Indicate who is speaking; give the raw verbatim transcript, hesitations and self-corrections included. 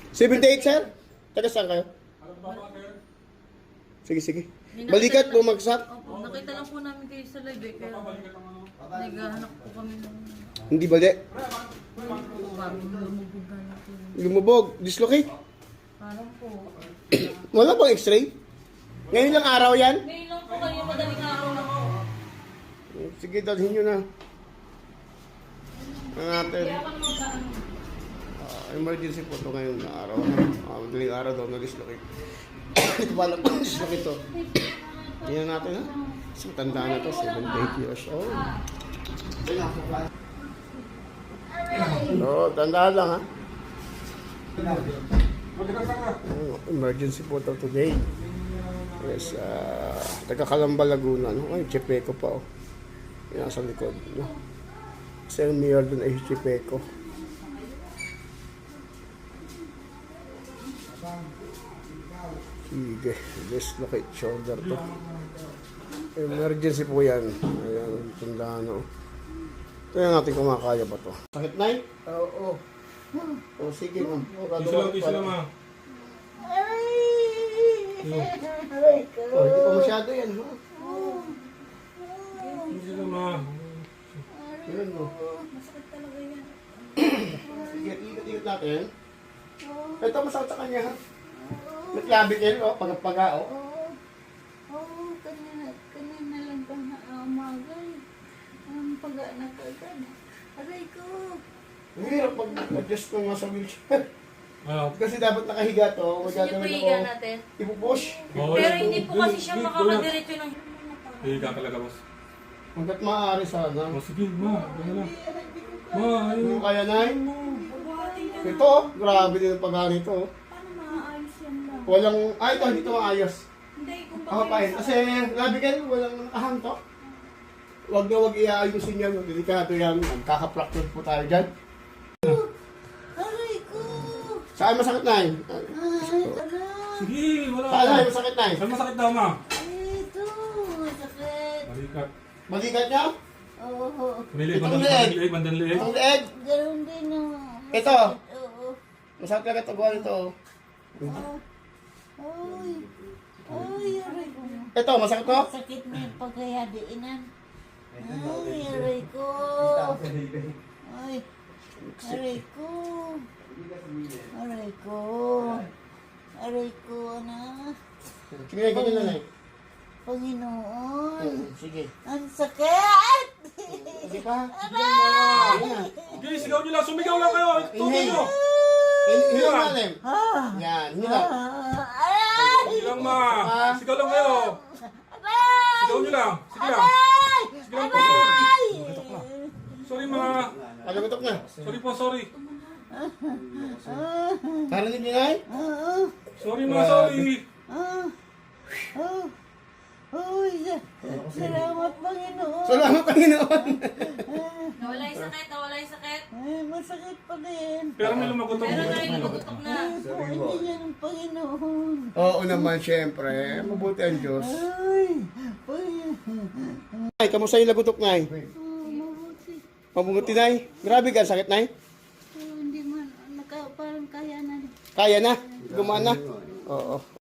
Speaker 1: seventy-eight, sir? Taga saan kayo? Sige, sige. Balikat, bumagsak.
Speaker 2: Opo, nakita lang po namin kayo sa live eh, kaya naghahanap po kami ng
Speaker 1: Hindi bali.
Speaker 2: parang lumubog na lang po.
Speaker 1: Lumubog. Dislocate.
Speaker 2: Parang po.
Speaker 1: Wala bang x-ray? Ngayon lang araw yan?
Speaker 2: Ngayon lang po kayo madaling araw lang po.
Speaker 1: Sige, dalhin nyo na. Ang natin.
Speaker 2: Kaya pa naman saan.
Speaker 1: Uh, emergency po ito ngayon na araw. Uh, madaling araw daw na dislocate. Ito pa lang dislocate ito. Tingnan natin ha. Isang tanda na ito, seventy-eight years old. Oo, tandaan lang ha. Oh, emergency po ito today. Yes, uh, taga Calamba, Laguna. No? Ay, Chepeco pa oh. Yan nasa likod. No? Kasi yung mayor dun ay Chepeco. Sige, dislocate shoulder to. Emergency po yan. Ayan, tandaan o. Kaya natin kumakaya ba to. Sakit na eh? Oo. O sige ma'am.
Speaker 3: Isa lang, isa lang ah.
Speaker 1: Oh, hindi pa masyado yan. Ha?
Speaker 3: Isa lang ah.
Speaker 1: Yan mo.
Speaker 2: Masakit talaga yan.
Speaker 1: Sige, ikot-ikot natin. Ito masakit sa kanya ha. May clavicle o, pagpaga o.
Speaker 4: Oo, kanina, kanina lang ba na umagal. Ang paga na kagad. Aray ko.
Speaker 1: Ang hirap pag-adjust ng nasa wheelchair.
Speaker 3: Ah,
Speaker 1: Kasi dapat nakahiga to.
Speaker 2: Gusto niyo po
Speaker 1: Magagawin
Speaker 2: higa
Speaker 1: ako.
Speaker 2: natin?
Speaker 1: Ipupush.
Speaker 3: oo,
Speaker 2: Pero
Speaker 3: yan.
Speaker 2: hindi po kasi siya
Speaker 3: Go, go, go.
Speaker 2: makakadiretso ng...
Speaker 3: Higa talaga, boss.
Speaker 1: Hanggat maaari sana.
Speaker 3: Oh, sige, ma. Ganyan lang. Ma, ayun.
Speaker 1: Ano kaya na Ito, oh, grabe din ang pagano ito. oh.
Speaker 4: Paano maaayos yan lang?
Speaker 1: Walang, ay ito, hindi ito maayos.
Speaker 4: Hindi, kung
Speaker 1: Ako pa yun. Kasi grabe kayo, walang nakahanto. Huwag na huwag iaayusin yan. Delikado yan. Magkaka-fracture po tayo dyan.
Speaker 4: Aray ko.
Speaker 1: Saan masakit na yun?
Speaker 4: Ay, aray.
Speaker 3: Sige, wala.
Speaker 1: Saan na masakit na yun?
Speaker 3: Saan masakit daw, ma?
Speaker 4: Ito, sakit.
Speaker 3: Balikat.
Speaker 1: Balikat niya?
Speaker 4: Oo,
Speaker 3: Lilig,
Speaker 1: Itong
Speaker 3: bandang
Speaker 1: leeg.
Speaker 3: lieg, bandang lieg.
Speaker 1: Itong leeg.
Speaker 4: ganoon din ang...
Speaker 1: Ito.
Speaker 4: Oo.
Speaker 1: Masakit ka kataguan ito.
Speaker 4: Ah. Ay, ay, aray ko.
Speaker 1: Ito, masakit to?
Speaker 4: Sakit na yung pagkayadiinan. Ay, aray ko. Ay, aray ko. Aray ko. Aray ko na.
Speaker 1: Sige, ganyan na eh.
Speaker 4: Panginoon.
Speaker 1: Sige.
Speaker 4: Ang sakit!
Speaker 1: Sige pa. Sige na.
Speaker 3: Okay, sigaw nyo lang. Sumigaw lang kayo. Tuloy nyo.
Speaker 1: Hilang natin.
Speaker 4: Ah!
Speaker 1: Yan, hilang.
Speaker 4: Ah! Aray!
Speaker 3: Sige lang, ma. Sigaw lang kayo.
Speaker 4: Aray!
Speaker 3: Sigaw nyo lang. Sige lang.
Speaker 4: Aray!
Speaker 3: Sige lang po.
Speaker 4: Aray!
Speaker 3: Sorry, ma.
Speaker 1: Pagagutok na.
Speaker 3: Sorry po, sorry.
Speaker 4: Ah!
Speaker 1: Narinig niyo na eh?
Speaker 4: Ah!
Speaker 3: Sorry, ma. Sorry.
Speaker 4: Ah! Ah! Uy! Salamat, Panginoon!
Speaker 1: Salamat Panginoon.
Speaker 2: Nawala yung sakit, nawala yung sakit.
Speaker 4: Ay, masakit pa din.
Speaker 3: Pero may lumagutok.
Speaker 2: Pero na rin nagugutok na.
Speaker 4: Ay, po, hindi niya ng Panginoon.
Speaker 1: Oo naman, syempre. Mabuti ang Diyos.
Speaker 4: Ay! Panginoon!
Speaker 1: Ay, kamusta yung lagutok na eh?
Speaker 4: Oh, mabuti.
Speaker 1: Mabuti na eh. Grabe ka, sakit na eh.
Speaker 4: Oh, hindi man, naka, parang kaya na.
Speaker 1: Kaya na. Gumana. Oo.